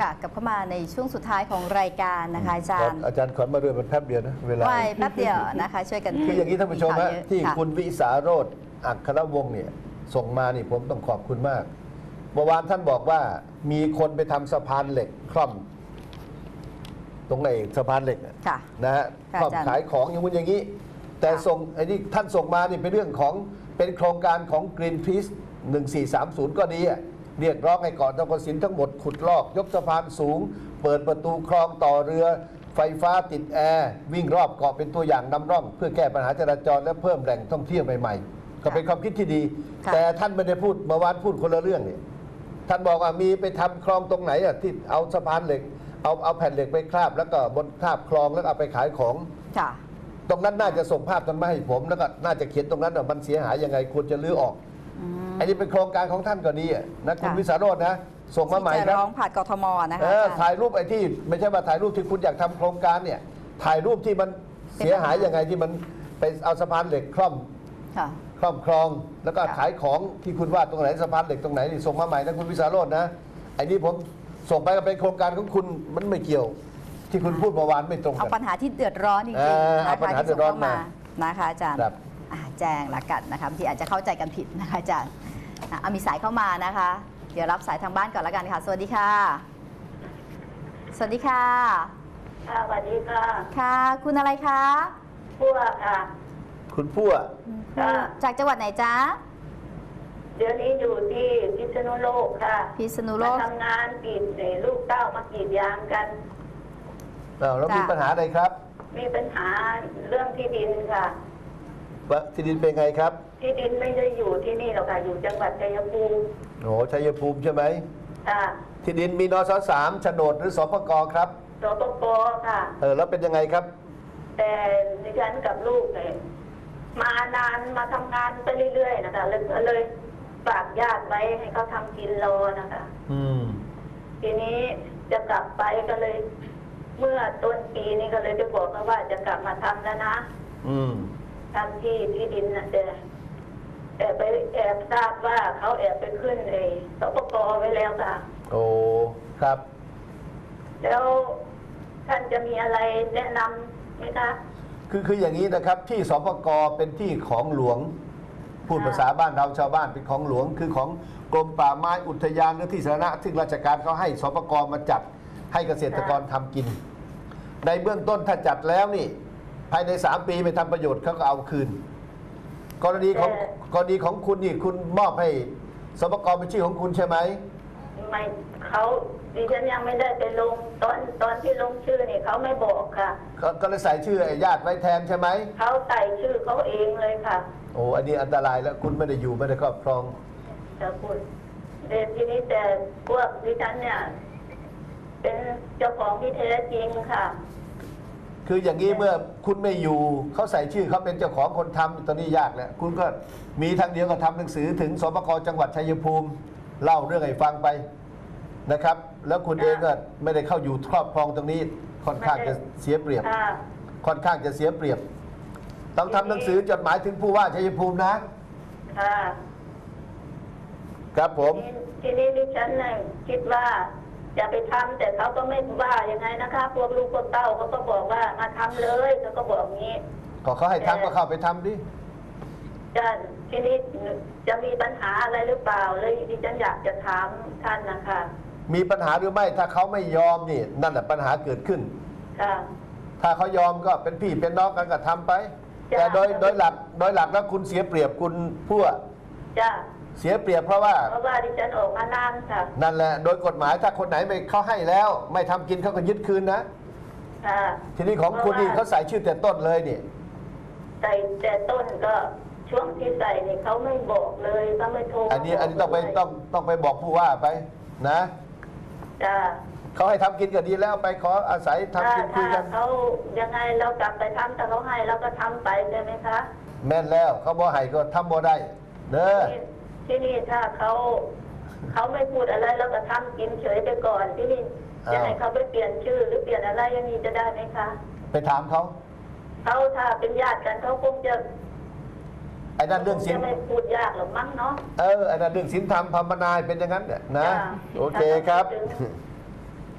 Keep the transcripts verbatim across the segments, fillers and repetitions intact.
ค่ะกลับเข้ามาในช่วงสุดท้ายของรายการนะคะอาจารย์อาจารย์ขวัญมาเรื่อยมันแป๊บเดียวนะเวลาไว้แป๊บเดียวนะคะช่วยกันคืออย่างนี้ท่านผู้ชมฮะที่ะคุณวิสาโรจน์อัครวงศ์เนี่ยส่งมานี่ผมต้องขอบคุณมากเมื่อวานท่านบอกว่ามีคนไปทำสะพานเหล็กคล่อมตรงไหนสะพานเหล็กค่ะนะฮะค่ะคล่อมอาจารย์ขายของอย่างนู้นอย่างนี้ แต่ค่ะส่งไอ้นี่ท่านส่งมานี่เป็นเรื่องของเป็นโครงการของ Greenpeace หนึ่งสี่สามศูนย์ก็ดีอะเรียกร้องให้เกาะตะกสินทั้งหมดขุดลอกยกสะพานสูง เปิดประตูคลองต่อเรือ ไฟฟ้าติดแอร์วิ่งรอบเกาะเป็นตัวอย่างนำร่อง เพื่อแก้ปัญหาจราจรและเพิ่มแหล่งท่องเที่ยวใหม่ๆ ก็เป็นความคิดที่ดีค่ะแต่ท่านไม่ได้พูดเมื่อวานพูดคนละเรื่องเนี่ยท่านบอกว่ามีไปทำคลองตรงไหนอ่ะที่เอาสะพานเหล็กเอาเอาแผ่นเหล็กไปคราบแล้วก็บนคราบคลองแล้วเอาไปขายของค่ะตรงนั้นน่าจะส่งภาพนั้นมาให้ผมแล้วก็น่าจะเขียนตรงนั้นว่ามันเสียหายยังไงควรจะรื้อออกอืมอันนี้เป็นโครงการของท่านก็ดีอะนะคุณค่ะวิสาโรจน์นะส่งมาใหม่ที่คจะรับร้องผ่านกทมนะคะเอออาจารย์ถ่ายรูปไอ้ที่ไม่ใช่ว่าถ่ายรูปที่คุณอยากทำโครงการเนี่ยถ่ายรูปที่มันเสียหายยังไงที่มันไปเอาสะพานเหล็กคล่อมค่ะคล่อมคลอง แล้วก็ค่ะขายของที่คุณว่าตรงไหนสะพานเหล็กตรงไหนนี่ส่งมาใหม่นะคุณวิสาโรจน์นะไอ้นี่ผมส่งไปก็เป็นโครงการของคุณมันไม่เกี่ยว ที่คุณพูดเมื่อวานไม่ตรงเอากันปัญหาที่เดือดร้อนจริงเออๆเอานะปัญคะหาที่ส่งเดือดร้อนเข้ามามานะคะอาจารย์ครับอ่าแจ้งละกันนะคะที่อาจจะเข้าใจกันผิดนะคะอาจารย์อ่ะเอามีสายเข้ามานะคะ เดี๋ยวรับสายทางบ้านก่อนละกันค่ะ สวัสดีค่ะ สวัสดีค่ะค่ะสวัสดีค่ะค่ะ คุณอะไรคะพวกค่ะคุณพั่วค่ะจากจังหวัดไหนจ๊ะเดี๋ยวนี้อยู่ที่พิษณุโลกค่ะพิษณุโลมาก ทำงานกรีดเอ่อลูกเต้ามากรีดยางกันอ้าวแล้วมีจ้ะปัญหาอะไรครับมีปัญหาเรื่องที่ดินค่ะว่าที่ดินเป็นไงครับที่ดินไม่ได้อยู่ที่นี่หรอกค่ะ อยู่จังหวัดชัยภูมิโอ้ชัยภูมิใช่ไหมค่ะที่ดินมีนสสามโฉนดหรือสปกครับสปปค่ะเออแล้วเป็นยังไงครับแต่ดิฉันกับลูกเนี่ยมานานมาทำงานไปเรื่อยๆนะคะเลยเลยฝากญาติไว้ให้เขาทำกินรอนะคะอืมทีนี้จะกลับไปก็เลย เมื่อต้นปีนี้ก็เลยไปบอกเขาว่าจะกลับมาทำแล้วนะอืมทำที่ที่ดินนะแต่แต่ไปแอบทราบว่าเขาแอบไปขึ้นเอสปกไว้แล้วค่ะโอ้ครับแล้วท่านจะมีอะไรแนะนำไหมคะคือคืออย่างนี้นะครับ ที่สปกเป็นที่ของหลวง พูดค่ะภาษาบ้านเราชาวบ้านเป็นของหลวง คือของกรมป่าไม้อุทยานหรือที่สาธารณะที่ราชการเขาให้สปกมาจัดให้เกษตรกรทำกิน ในเบื้องต้นถ้าจัดแล้วนี่ ภายในสามปีไม่ทำประโยชน์เขาก็เอาคืน กรณีของกรณีของคุณนี่คุณมอบให้สปกเป็นชื่อของคุณใช่ไหมไม่เขาดิฉันยังไม่ได้ไปลงตอนตอนที่ลงชื่อนี่เขาไม่บอกค่ะก็ก็เลยใส่ชื่อไอ้ญาติไว้แทนใช่ไหมเขาใส่ชื่อเขาเองเลยค่ะโอ้อันนี้อันตรายแล้วคุณไม่ได้อยู่ไม่ได้ครอบครองแต่คุณเด็ทีนี้แต่พวกดิฉันเนี่ย เป็นเจ้าของที่แท้จริงค่ะคืออย่างนี้เมื่อคุณไม่อยู่เขาใส่ชื่อเขาเป็นเจ้าของคนทำตอนนี้ยากแล้วคุณก็มีทางเดียวก็ทำหนังสือถึงสปกจังหวัดชัยภูมิ เล่าเรื่องให้ฟังไปนะครับ แล้วคุณเองก็ไม่ได้เข้าอยู่ครอบครองตรงนี้ค่อนข้างจะเสียเปรียบค่ะค่อนข้างจะเสียเปรียบ ต้องทำหนังสือจดหมายถึงผู้ว่าชัยภูมินะค่ะครับผมทีทีนี้ดิฉันเนี่ยคิดว่าจะไปทำแต่เขาก็ไม่ว่ายังไงนะคะ พวกลูกพวกเต้าเขาก็บอกว่ามาทำเลยเขาก็บอกงี้ก็เขาให้ทำก็เข้าไปทำดิจะทีนี้จะมีปัญหาอะไรหรือเปล่าเลยดิฉันอยากจะถามท่านนะคะมีปัญหาหรือไม่ถ้าเขาไม่ยอมนี่นั่นแหละปัญหาเกิดขึ้นค่ะถ้าเขายอมก็เป็นพี่เป็นน้องกันก็ทำไปจ้ะแต่โดยโดยหลักโดยหลักแล้วคุณเสียเปรียบคุณพั่วจ้ะเสียเปรียบเพราะว่าเพราะว่าดิฉันออกมานานค่ะนั่นแหละโดยกฎหมายถ้าคนไหนไม่เขาให้แล้ว ไม่ทำกินเขาก็ยึดคืนนะค่ะทีนี้ของคุณนี่เขาใส่ชื่อแต่ต้นเลยนี่ใส่แต่ต้นก็ช่วงที่ใส่เนี่ยเขาไม่บอกเลยเขาไม่โทรอันนี้อันนี้ต้องไปต้องต้องไปบอกผู้ว่าไปนะจ้ะเขาให้ทำกินก็ดีแล้วไปขออาศัยทำถ้ากินคุยถ้ากันเขายังไงเรากลับไปทำแต่เขาให้เราก็ทำไปใช่ไหมคะแม่นแล้วเขาบ่ให้ก็ทำบ่ได้เด้อที่ที่นี่ถ้าเขาเขาไม่พูดอะไรเราก็ทำกินเฉยไปก่อนที่นี่จะให้เขาไปเปลี่ยนชื่อหรือเปลี่ยนอะไรอย่างนี้จะได้ไหมคะไปถามเขาเขาถ้าเป็นญาติกันเขาคงจะไอ้นั่นเรื่องศีลจะไม่พูดยากหรอกมั้งเนาะเออไอ้นั่นเรื่องศีลธรรมภาวนาเป็นอย่างนั้นเนี่ยนะจ้ะโอเคครับถ้าเขาพูดถึง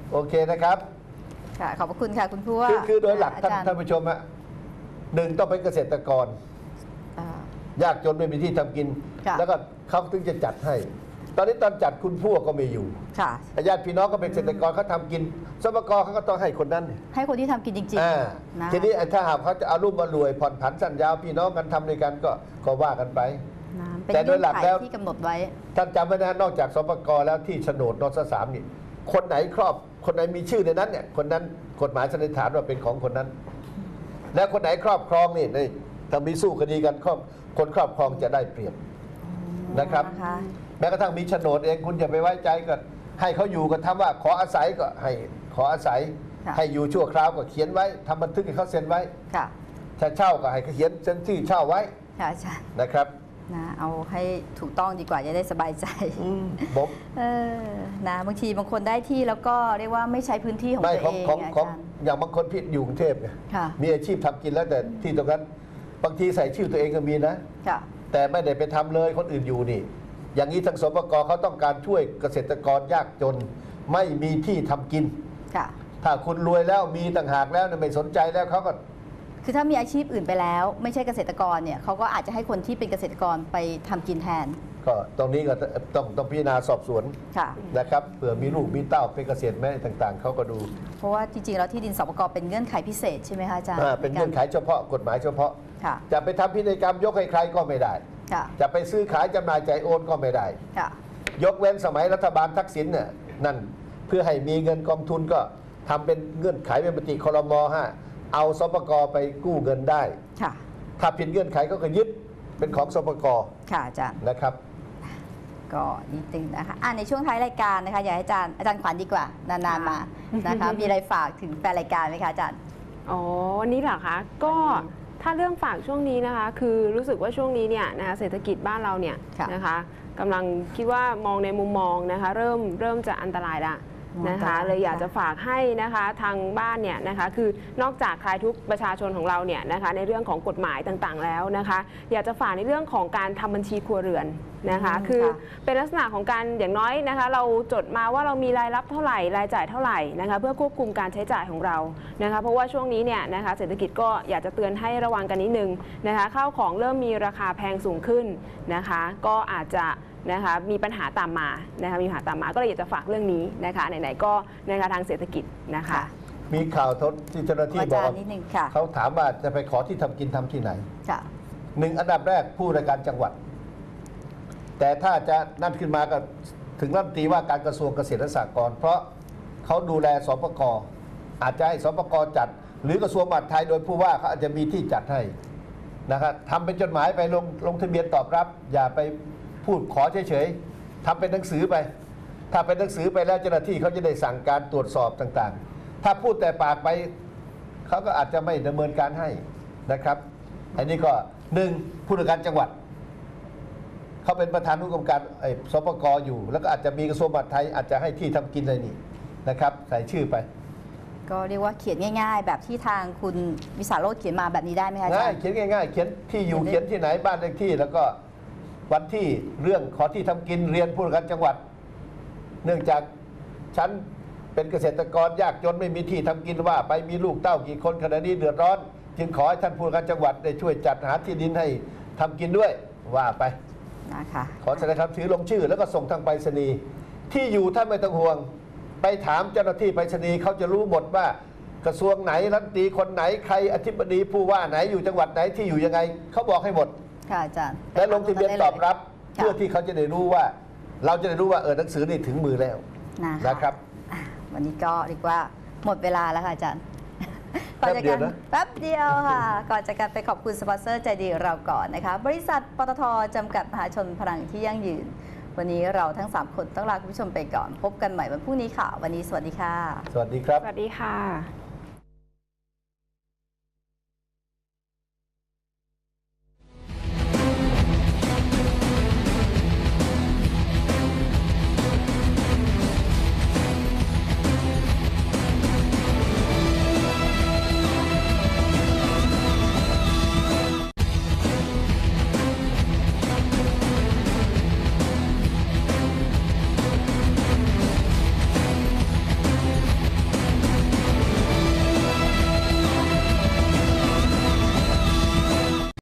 โอเคนะครับค่ะขอบพระคุณค่ะคุณผู้ว่าคือคือโดยหลักอาท่านจารย์ท่านผู้ชมฮะหนึ่งต้องเป็นเกษตรกรอ่ายากจนไม่มีที่ทำกินค่ะแล้วก็เขาถึงจะจัดให้ ตอนนี้ตอนจัดคุณผู้ก็ไม่อยู่ค่ะญาติพี่น้องก็เป็นเกษตรกรเขาทำกินสปกเขาก็ต้องให้คนนั้นให้คนที่ทำกินจริงอ่าๆนะทีนี้ไอ้ถ้าหากเขาจะเอารุ่มมารวยผ่อนผันสั้นยาวพี่น้องกันทำด้วยกันก็ก็ว่ากันไปนะเป็นแต่โดเงื่ยอนหลักไขแล้วที่กำหนดไว้ท่านจำไว้นะนอกจากสปกแล้วที่โฉนดนสสามนี่คนไหนครอบคนไหนมีชื่อในนั้นเนี่ยคนนั้นกฎหมายสันนิษฐานว่าเป็นของคนนั้น และคนไหนครอบครองนี่นี่ถ้ามีสู้คดีกันครอบคนครอบครองจะได้เปรียบ นะครับนะคะแม้กระทั่งมีโฉนดเองคุณอย่าไปไว้ใจก็ให้เขาอยู่ก็ทำว่าขออาศัยก็ให้ขออาศัยค่ะให้อยู่ชั่วคราวก็เขียนไว้ทำบันทึกให้เขาเซ็นไว้ค่ะถ้าเช่าก็ให้เขาเขียนเซ็นที่เช่าไว้ค่ะอาจารย์นะครับนะเอาให้ถูกต้องดีกว่าจะได้สบายใจผมเออนะบางทีบางคนได้ที่แล้วก็เรียกว่าไม่ใช้พื้นที่ของไม่ตัวของเองของอาของจารย์อย่างบางคนพิษอยู่กรุงเทพเนี่ยค่ะมีอาชีพทำกินแล้วแต่ที่ตรงนั้นบางทีใส่ชื่อตัวเองก็มีนะค่ะแต่ไม่ได้ไปทำเลยคนอื่นอยู่นี่ อย่างนี้ทางสปกเขาต้องการช่วยเกษตรกรยากจน ไม่มีที่ทำกินค่ะถ้าคุณรวยแล้วมีต่างหากแล้วเนี่ยไม่สนใจแล้วเขาก็คือถ้ามีอาชีพอื่นไปแล้ว ไม่ใช่เกษตรกรเนี่ยเขาก็อาจจะให้คนที่เป็นเกษตรกรไปทำกินแทนก็ตรงนี้ก็ต้องต้องพิจารณาสอบสวนค่ะนะครับเผื่อมีลูกมีเต้าเป็นเกษตรแม่ต่างๆเขาก็ดูเพราะว่าจริงๆแล้วที่ดินสปกเป็นเงื่อนไขพิเศษใช่ไหมคะอาจารย์อ่าเป็นเงื่อนไขเฉพาะกฎหมายเฉพาะค่ะจะไปทำพินัยกรรมยกให้ใครก็ไม่ได้ค่ะจะไปซื้อขายจำหน่ายจ่ายโอนก็ไม่ได้ค่ะยกเว้นสมัยรัฐบาลทักษิณเนี่ยนั่นเพื่อให้มีเงินกองทุนก็ทำเป็นเงื่อนไขเป็นมติครมห้าเอาสปกไปกู้เงินได้ค่ะถ้าผิดเงื่อนไขก็ก็ยึดเป็นของสปกค่ะอาจารย์นะครับก็นิดนึงนะคะอ่ะในช่วงท้ายรายการนะคะอยากให้อาจารย์อาจารย์ขวัญดีกว่า นานๆมานะคะ มีอะไรฝากถึงแฟนรายการไหมคะอาจารย์อ๋อวันนี้เหรอคะก็ถ้าเรื่องฝากช่วงนี้นะคะ คือรู้สึกว่าช่วงนี้เนี่ยนะคะเศรษฐกิจบ้านเราเนี่ยค่ะนะคะกำลังคิดว่ามองในมุมมองนะคะเริ่มเริ่มจะอันตรายละนะคะอันตรายเลยอยากค่ะจะฝากให้นะคะทางบ้านเนี่ยนะคะคือนอกจากคลายทุกข์ประชาชนของเราเนี่ยนะคะในเรื่องของกฎหมายต่างๆแล้วนะคะ อยากจะฝากในเรื่องของการทำบัญชีครัวเรือนนะคะอืมคือค่ะเป็นลักษณะของการอย่างน้อยนะคะ เราจดมาว่าเรามีรายรับเท่าไหร่รายจ่ายเท่าไหร่นะคะ เพื่อควบคุมการใช้จ่ายของเรานะคะ เพราะว่าช่วงนี้เนี่ยนะคะเศรษฐกิจก็อยากจะเตือนให้ระวังกันนิดนึงนะคะข้าวของเริ่มมีราคาแพงสูงขึ้นนะคะ ก็อาจจะนะคะมีปัญหาตามมานะคะมีปัญหาตามมาก็เลยอยากจะฝากเรื่องนี้นะคะไหนๆก็นะคะทางเศรษฐกิจนะคะค่ะมีข่าวทศที่เจ้าหน้าที่อาบอจาก รย์นิดนึงค่ะเขาถามว่าจะไปขอที่ทำกินทำที่ไหนค่ะหนึ่งอันดับแรกผู้ราชการจังหวัด แต่ถ้าจะนั่นขึ้นมาก็ถึงรัฐมนตรีว่าการกระทรวงเกษตรและสหกรณ์เพราะเขาดูแลสปกอาจจะให้สปกจัด หรือกระทรวงมหาดไทยโดยผู้ว่าเขาอาจจะมีที่จัดให้นะครับทำเป็นจดหมายไปลงลงทะเบียนตอบรับ อย่าไปพูดขอเฉยๆทำเป็นหนังสือไป ถ้าเป็นหนังสือไปแล้วเจ้าหน้าที่เขาจะได้สั่งการตรวจสอบต่างๆ ถ้าพูดแต่ปากไปเขาก็อาจจะไม่ดำเนินการให้นะครับ อันนี้ก็หนึ่งผู้ว่าการจังหวัดเขาเป็นประธานผู้กำกับไอ้สปกอยู่ แล้วก็อาจจะมีกระทรวงมหาดไทยอาจจะให้ที่ทำกินอะไรนี่นะครับ ใส่ชื่อไปก็เรียกว่าเขียนง่าย ๆ แบบที่ทางคุณวิสาโรจน์เขียนมาแบบนี้ได้ไหมคะอาจาง่ายรย์เขียนง่ายๆ เขียนที่อยู่เขียนได้เขียนที่ไหนบ้านเลขที่ แล้วก็วันที่เรื่องขอที่ทำกินเรียนผู้ว่าการจังหวัด เนื่องจากฉันเป็นเกษตรกรยากจนไม่มีที่ทำกินว่า ไปมีลูกเต้ากี่คนขณะนี้เดือดร้อน จึงขอให้ท่านผู้ว่าการจังหวัดได้ช่วยจัดหาที่ดินให้ทำกินด้วยว่าไปนะคะขอแสดงคำถือลงชื่อแล้วก็ส่งทางไปรษณีย์ที่อยู่ท่านไม่ต้องห่วง ไปถามเจ้าหน้าที่ไปรษณีย์เขาจะรู้หมดว่ากระทรวงไหนรัฐมนตรีคนไหนใครอธิบดีผู้ว่าไหนอยู่จังหวัดไหนที่อยู่ยังไงเขาบอกให้หมดค่ะอาจารย์และลงทะเบียนตอบรับค่ะเพื่อที่เขาจะได้รู้ว่า เราจะได้รู้ว่าเออหนังสือนี่ถึงมือแล้วนะคะนะครับอ่ะวันนี้ก็เรียกว่าหมดเวลาแล้วค่ะอาจารย์แป๊บเดียวนะแป๊บเดียวค่ะ ก่อนจากกันไปขอบคุณสปอนเซอร์ใจดีเราก่อนนะคะ บริษัทปตทจำกัดมหาชนพลังที่ยั่งยืน วันนี้เราทั้งสามคนต้องลาคุณผู้ชมไปก่อน พบกันใหม่วันพรุ่งนี้ค่ะ วันนี้สวัสดีค่ะสวัสดีครับสวัสดีค่ะ